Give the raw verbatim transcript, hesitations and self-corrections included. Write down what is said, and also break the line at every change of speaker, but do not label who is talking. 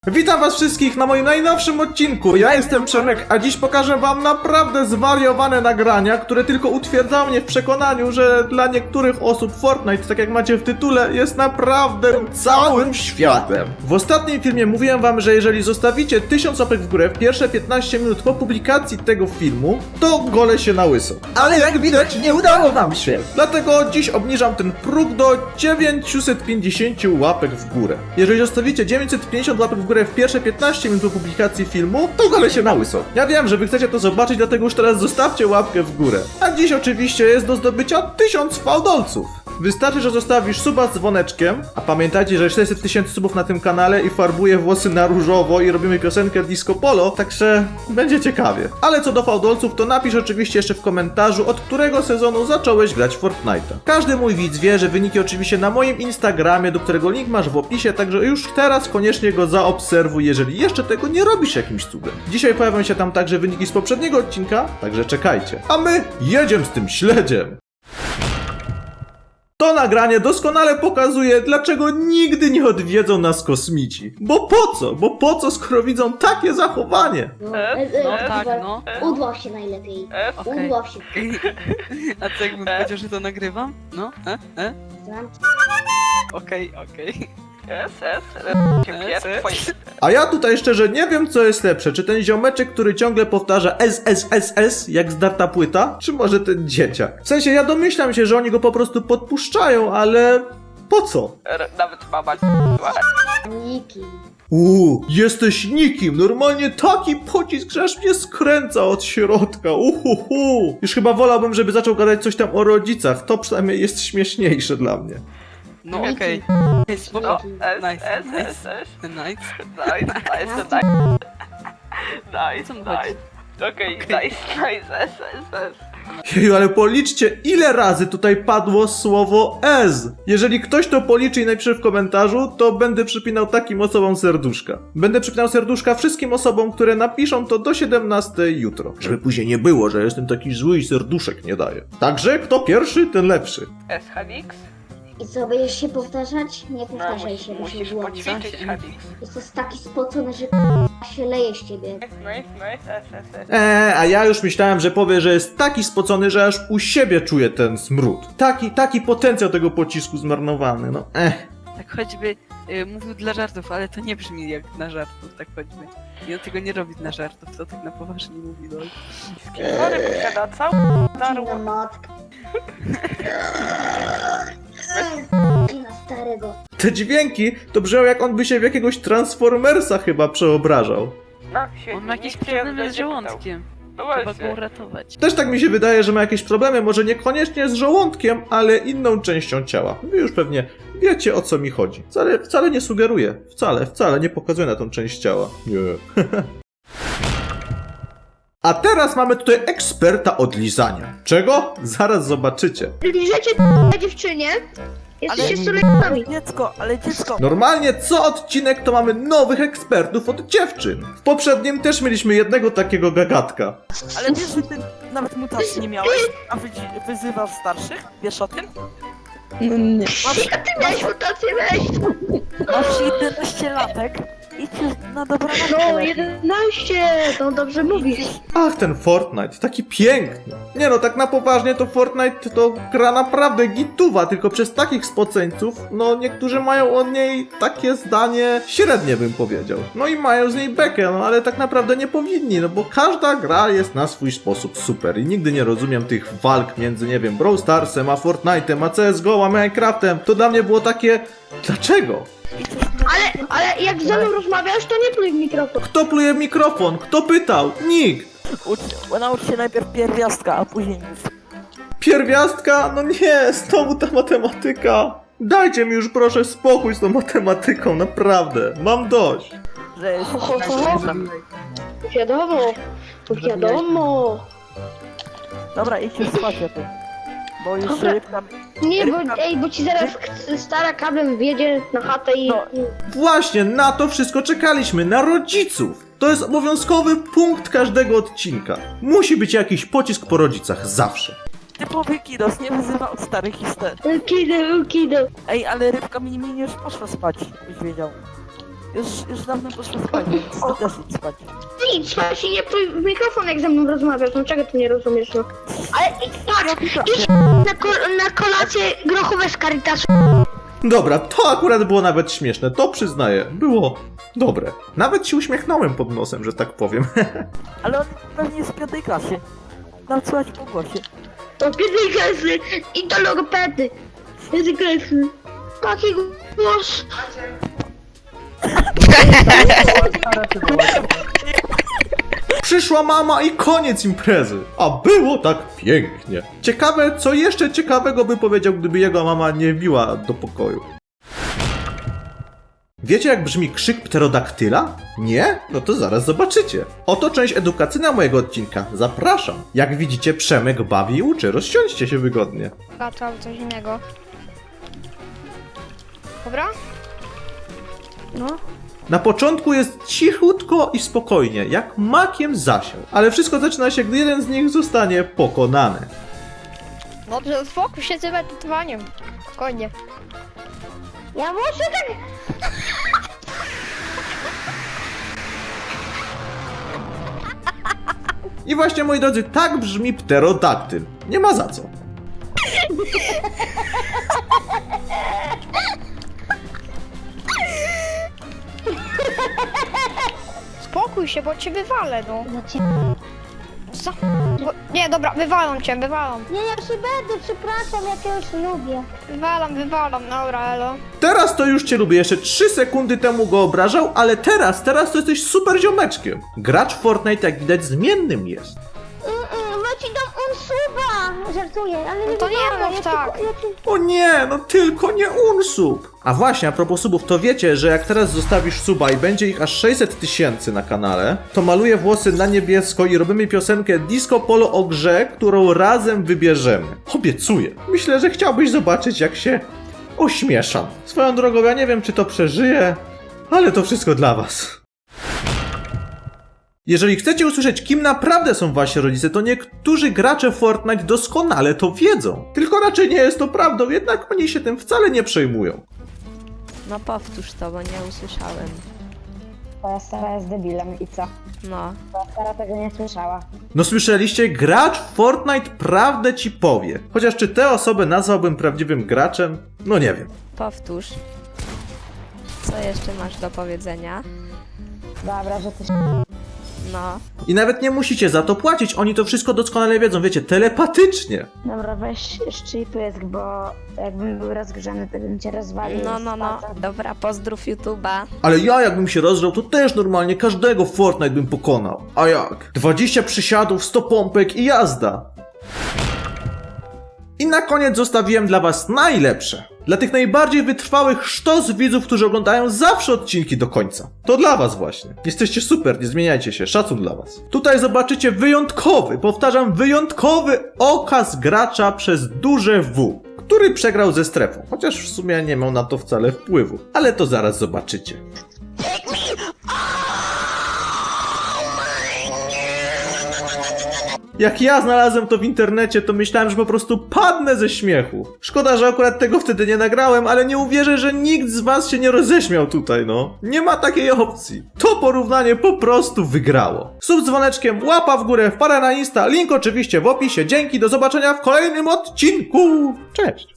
Witam was wszystkich na moim najnowszym odcinku. Ja jestem Przemek, a dziś pokażę wam naprawdę zwariowane nagrania, które tylko utwierdzają mnie w przekonaniu, że dla niektórych osób Fortnite, tak jak macie w tytule, jest naprawdę całym światem. W ostatnim filmie mówiłem wam, że jeżeli zostawicie tysiąc łapek w górę w pierwsze piętnaście minut po publikacji tego filmu, to golę się na łyso.
Ale jak widać nie udało wam się.
Dlatego dziś obniżam ten próg do dziewięćset pięćdziesiąt łapek w górę. Jeżeli zostawicie dziewięćset pięćdziesiąt łapek w górę w pierwsze piętnaście minut po publikacji filmu, to golę się na łyso. Ja wiem, że wy chcecie to zobaczyć, dlatego już teraz zostawcie łapkę w górę. A dziś oczywiście jest do zdobycia tysiąc fałdolców. Wystarczy, że zostawisz suba z dzwoneczkiem, a pamiętajcie, że sześćset tysięcy subów na tym kanale i farbuję włosy na różowo i robimy piosenkę Disco Polo, także będzie ciekawie. Ale co do fałdolców, to napisz oczywiście jeszcze w komentarzu, od którego sezonu zacząłeś grać w Fortnite'a. Każdy mój widz wie, że wyniki oczywiście na moim Instagramie, do którego link masz w opisie, także już teraz koniecznie go zaobserwuj, jeżeli jeszcze tego nie robisz jakimś cudem. Dzisiaj pojawią się tam także wyniki z poprzedniego odcinka, także czekajcie. A my jedziemy z tym śledziem! To nagranie doskonale pokazuje, dlaczego nigdy nie odwiedzą nas kosmici. Bo po co? Bo po co, skoro widzą takie zachowanie?
No,
E,
e, e,
no
e,
tak,
e,
no.
Udław się najlepiej.
E, Okej.
Udław się.
A co jakbym powiedział, że to nagrywam? No? E? E?
Znam
Okej, okej.
S, S,
S, S.
A ja tutaj szczerze nie wiem, co jest lepsze. Czy ten ziomeczek, który ciągle powtarza S, S, S, S, jak zdarta płyta? Czy może ten dzieciak? W sensie, ja domyślam się, że oni go po prostu podpuszczają, ale po co?
nawet mama
nikim.
Uuu, jesteś nikim, normalnie taki pocisk, że aż mnie skręca od środka, uhuhu. Już chyba wolałbym, żeby zaczął gadać coś tam o rodzicach, to przynajmniej jest śmieszniejsze dla mnie.
No okej. Okay. Spoko.
S,
Nice,
S,
nice.
S, S,
Nice.
nice, nice, nice,
Co mu
nice,
chodzi?
nice, okej, nice, nice, S, S, S.
Jeju, ale policzcie, ile razy tutaj padło słowo S. Jeżeli ktoś to policzy i napisze w komentarzu, to będę przypinał takim osobom serduszka. Będę przypinał serduszka wszystkim osobom, które napiszą to do siedemnastej jutro. Żeby później nie było, że jestem taki zły i serduszek nie daję. Także kto pierwszy, ten lepszy.
S, Hadix?
I co, będziesz się powtarzać? Nie
No,
powtarzaj
musisz,
się, bo się
musisz
włączy.
poćwiczyć, Hadix.
Jesteś taki spocony, że się leje z ciebie.
Nice, nice, nice, S, S, S.
Eee, a ja już myślałem, że powie, że jest taki spocony, że aż u siebie czuję ten smród. Taki, taki potencjał tego pocisku zmarnowany, no eh.
Tak choćby y, mówił dla żartów, ale to nie brzmi jak na żartów, tak choćby. I on tego nie robi na żartów, to tak na poważnie mówi, no.
Skinory posiada cały darło.
Na matkę. I na starego.
Te dźwięki to brzmią, jak on by się w jakiegoś Transformersa chyba przeobrażał.
No, się
On ma jakieś
nikt się
problemy z
będzie
żołądkiem.
pytał. No
Trzeba go
właśnie.
uratować.
Też tak mi się wydaje, że ma jakieś problemy, może niekoniecznie z żołądkiem, ale inną częścią ciała. Wy już pewnie wiecie, o co mi chodzi. Wcale, wcale nie sugeruję. Wcale, wcale nie pokazuję na tą część ciała. Nie. A teraz mamy tutaj eksperta od lizania. Czego? Zaraz zobaczycie.
Liżecie dziewczynie? Jesteście
Ale dziecko, ale dziecko!
Normalnie co odcinek to mamy nowych ekspertów od dziewczyn. W poprzednim też mieliśmy jednego takiego gagatka.
Ale wiesz, że ty nawet mutacji nie miałeś, a wydzi- wyzywasz starszych? Wiesz o tym?
No nie.
Masz,
A ty miałeś mutację, weź!
masz jedenaście latek i cię na dobrą
No, jedenaście! No dobrze mówisz.
Ach, ten Fortnite, taki piękny. Nie no, tak na poważnie to Fortnite to gra naprawdę gituwa, tylko przez takich spoceńców, no niektórzy mają o niej takie zdanie średnie, bym powiedział. No i mają z niej bekę, no ale tak naprawdę nie powinni, no bo każda gra jest na swój sposób super i nigdy nie rozumiem tych walk między, nie wiem, Brawl Starsem, a Fortnite'em, a C S G O, a Minecraftem. To dla mnie było takie, dlaczego?
Ale, ale jak ze mną rozmawiasz, to nie pluj w mikrofon.
Kto pluje w mikrofon? Kto pytał? Nikt!
Ucz, naucz się najpierw pierwiastka, a później nic.
Pierwiastka? No nie, znowu ta matematyka. Dajcie mi już proszę spokój z tą matematyką, naprawdę. Mam dość.
Że jest...
Wiadomo, wiadomo.
Dobra, idź się spać o tym. Bo już
Dobra.
rybka...
Nie, bo, ej, bo ci zaraz k- stara kablem wjedzie na chatę i...
No.
Właśnie na to wszystko czekaliśmy, na rodziców. To jest obowiązkowy punkt każdego odcinka. Musi być jakiś pocisk po rodzicach, zawsze.
Typowy kidos, nie wyzywa od starych historii.
Kido, kido.
Ej, ale rybka mi, mi już poszła spać, byś wiedział. Już, już dawno poszło spać, więc ty też idź spać.
Ty idź spać i nie pluj w mikrofon, jak ze mną rozmawiasz, no czego ty nie rozumiesz, no. Ale idź spać, idź na, ko- na kolację grochowe z Caritasu.
Dobra, to akurat było nawet śmieszne, to przyznaję. Było dobre. Nawet się uśmiechnąłem pod nosem, że tak powiem.
Ale on pewnie jest w piątej klasie. Nam słychać po głosie.
To pierwszej klasy i do logopedy. Pierwszej klasy. Taki głos.
Przyszła mama i koniec imprezy. A było tak pięknie. Ciekawe, co jeszcze ciekawego by powiedział, gdyby jego mama nie wbiła do pokoju. Wiecie, jak brzmi krzyk pterodaktyla? Nie? No to zaraz zobaczycie. Oto część edukacyjna mojego odcinka. Zapraszam. Jak widzicie, Przemek bawi i uczy. Rozsiądźcie się wygodnie.
Albo coś innego. Dobra? No.
Na początku jest cichutko i spokojnie, jak makiem zasiał. Ale wszystko zaczyna się, gdy jeden z nich zostanie pokonany.
Dobrze, spokój się z edytowaniem. Spokojnie. Ja muszę tak...
I właśnie, moi drodzy, tak brzmi pterodaktyl. Nie ma za co.
Spokój się, bo cię wywalę, no.
No cię...
Co? Bo... Nie, dobra, wywalam cię, wywalam.
Nie, ja się będę, przepraszam, jak ja już lubię.
Wywalam, wywalam, dobra, elo.
Teraz to już cię lubię. Jeszcze trzy sekundy temu go obrażał, ale teraz, teraz to jesteś super ziomeczkiem. Gracz w Fortnite, jak widać, zmiennym jest.
Bo ci dam unsuba! Żartuję, ale nie
to nie
wygląda,
mów
ja
tak.
Ci, ja ci...
O nie, no tylko nie unsub. A właśnie, a propos subów, to wiecie, że jak teraz zostawisz suba i będzie ich aż sześćset tysięcy na kanale, to maluję włosy na niebiesko i robimy piosenkę Disco Polo o grze, którą razem wybierzemy. Obiecuję. Myślę, że chciałbyś zobaczyć, jak się ośmieszam. Swoją drogą, ja nie wiem, czy to przeżyję, ale to wszystko dla was. Jeżeli chcecie usłyszeć, kim naprawdę są wasi rodzice, to niektórzy gracze Fortnite doskonale to wiedzą. Tylko raczej nie jest to prawdą, jednak oni się tym wcale nie przejmują.
No powtórz to, bo nie usłyszałem.
Twoja stara jest debilem i co?
No.
Twoja stara tego nie słyszała.
No słyszeliście? Gracz w Fortnite prawdę ci powie. Chociaż czy tę osobę nazwałbym prawdziwym graczem? No nie wiem.
Powtórz. Co jeszcze masz do powiedzenia?
Dobra, że ty
No.
I nawet nie musicie za to płacić, oni to wszystko doskonale wiedzą, wiecie, telepatycznie.
Dobra, weź szczypysk, bo jakbym był rozgrzany, to bym cię rozwalił.
No, no, no.
z palcem.
Dobra, pozdrów YouTube'a.
Ale ja jakbym się rozgrzał, to też normalnie każdego w Fortnite bym pokonał. A jak? dwadzieścia przysiadów, sto pompek i jazda. I na koniec zostawiłem dla was najlepsze. Dla tych najbardziej wytrwałych sztos widzów, którzy oglądają zawsze odcinki do końca. To dla was właśnie. Jesteście super, nie zmieniajcie się, szacun dla was. Tutaj zobaczycie wyjątkowy, powtarzam, wyjątkowy okaz gracza przez duże W, który przegrał ze strefą. Chociaż w sumie nie miał na to wcale wpływu. Ale to zaraz zobaczycie. Jak ja znalazłem to w internecie, to myślałem, że po prostu padnę ze śmiechu. Szkoda, że akurat tego wtedy nie nagrałem, ale nie uwierzę, że nikt z was się nie roześmiał tutaj, no. Nie ma takiej opcji. To porównanie po prostu wygrało. Sub z dzwoneczkiem, łapa w górę, wpada na Insta, link oczywiście w opisie. Dzięki, do zobaczenia w kolejnym odcinku. Cześć!